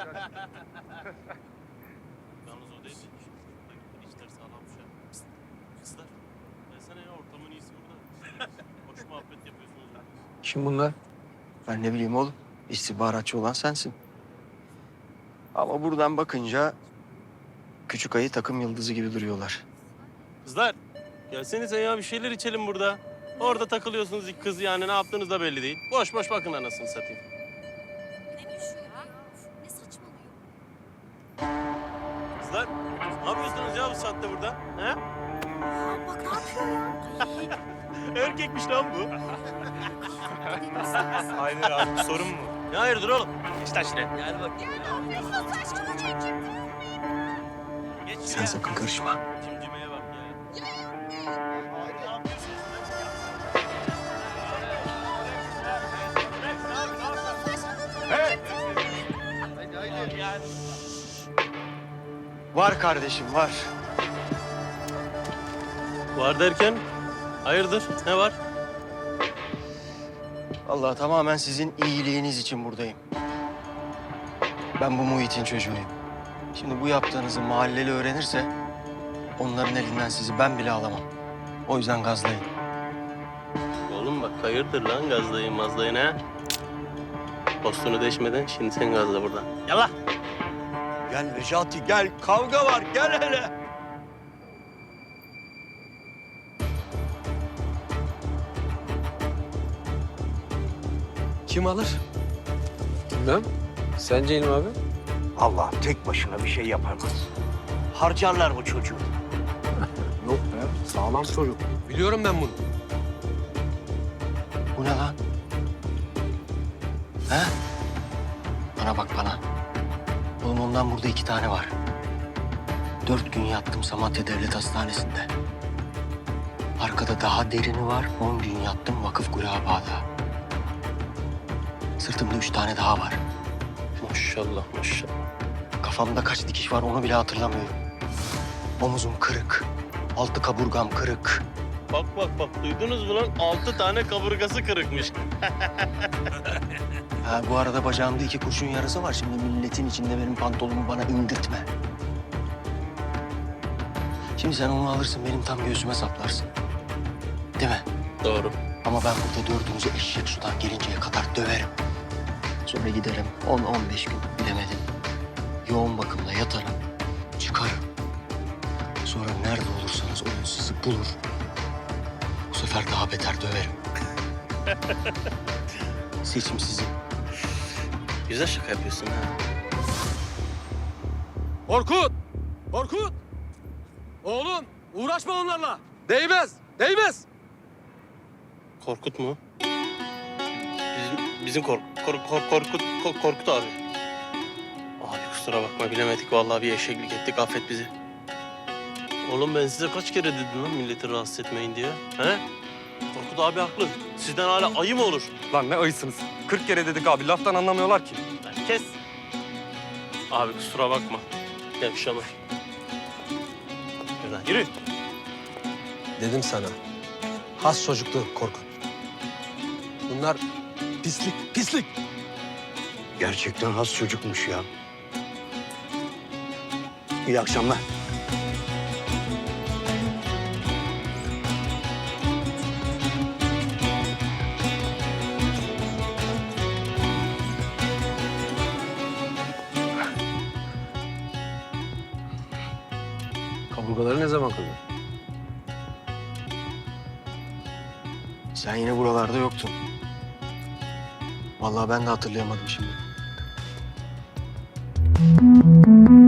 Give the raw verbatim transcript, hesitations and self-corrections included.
Yalnız o değil. İşler sağlammış ya. Psst, kızlar. Gelsene ya, ortamın iyisi burada. Hoş muhabbet yapıyorsunuz. Kim bunlar? Ben ne bileyim oğlum. İstihbaratçı olan sensin. Ama buradan bakınca küçük ayı takım yıldızı gibi duruyorlar. Kızlar, gelsenize ya, bir şeyler içelim burada. Orada takılıyorsunuz ilk kız, yani ne yaptığınız da belli değil. Boş boş bakın anasını satayım. Ne düşüyor ya? Ne saçmalıyor? Kızlar, ne yapıyorsunuz ya bu saatte burada? He? Aa, bak ne yapıyor ya? Erkekmiş lan bu. Hayır abi, sorun mu? Ne hayırdır oğlum? Geç lan şuraya. Gel bak. Geç Sen şuraya. sakın karışma. Cimcimeye bak ya. Var kardeşim var. Var derken? Hayırdır? Ne var? Vallahi tamamen sizin iyiliğiniz için buradayım. Ben bu muhitin çocuğuyum. Şimdi bu yaptığınızı mahalleli öğrenirse onların elinden sizi ben bile alamam. O yüzden gazlayın. Oğlum bak, hayırdır lan gazlayın mazlayın ha? Postunu deşmeden şimdi sen gazla buradan. Yallah. Gel Necati gel. Kavga var. Gel hele. Kim alır? Bilmem. Sence İlmi abi? Allah tek başına bir şey yapamaz. Harcarlar bu çocuğu. Yok be. Sağlam çocuk. Biliyorum ben bunu. Bu ne lan? He? Bana bak bana. Oğlum ondan burada iki tane var. Dört gün yattım Samatya Devlet Hastanesi'nde. Arkada daha derini var. On gün yattım Vakıf Guraba'da. Sırtımda üç tane daha var. Maşallah maşallah. Kafamda kaç dikiş var onu bile hatırlamıyorum. Omuzum kırık. Altı kaburgam kırık. Bak bak bak, duydunuz mu lan? Altı tane kaburgası kırıkmış. Ha, bu arada bacağımda iki kurşun yarası var. Şimdi milletin içinde benim pantolonumu bana indirtme. Şimdi sen onu alırsın, benim tam göğsüme saplarsın. Değil mi? Doğru. Ama ben burada dördünüzü eşek sudan gelinceye kadar döverim. Sonra giderim on on beş gün bilemedim. Yoğun bakımda yatarım, çıkarım. Sonra nerede olursanız olun sizi bulur. Bu sefer daha beter döverim. Seçim sizin. Güzel şaka yapıyorsun ha. Korkut! Korkut! Oğlum uğraşma onlarla. Değmez. Değmez. Korkut mu? Bizim, bizim kork, kork, kork, Korkut, kork, Korkut abi. Abi kusura bakma, bilemedik vallahi, bir eşeklik ettik, affet bizi. Oğlum ben size kaç kere dedim lan milleti rahatsız etmeyin diye. He? Korkut abi haklı. Sizden hala ayı mı olur? Lan ne ayısınız? Kırk kere dedik abi, laftan anlamıyorlar ki. Lan kes. Abi kusura bakma. Yavşalar. Yürü lan, yürü. Dedim sana. Has çocuklu Korkut. Bunlar pislik, pislik. Gerçekten has çocukmuş ya. İyi akşamlar. Kaburgaları ne zaman kırdın? Sen yine buralarda yoktun. Vallahi ben de hatırlayamadım şimdi.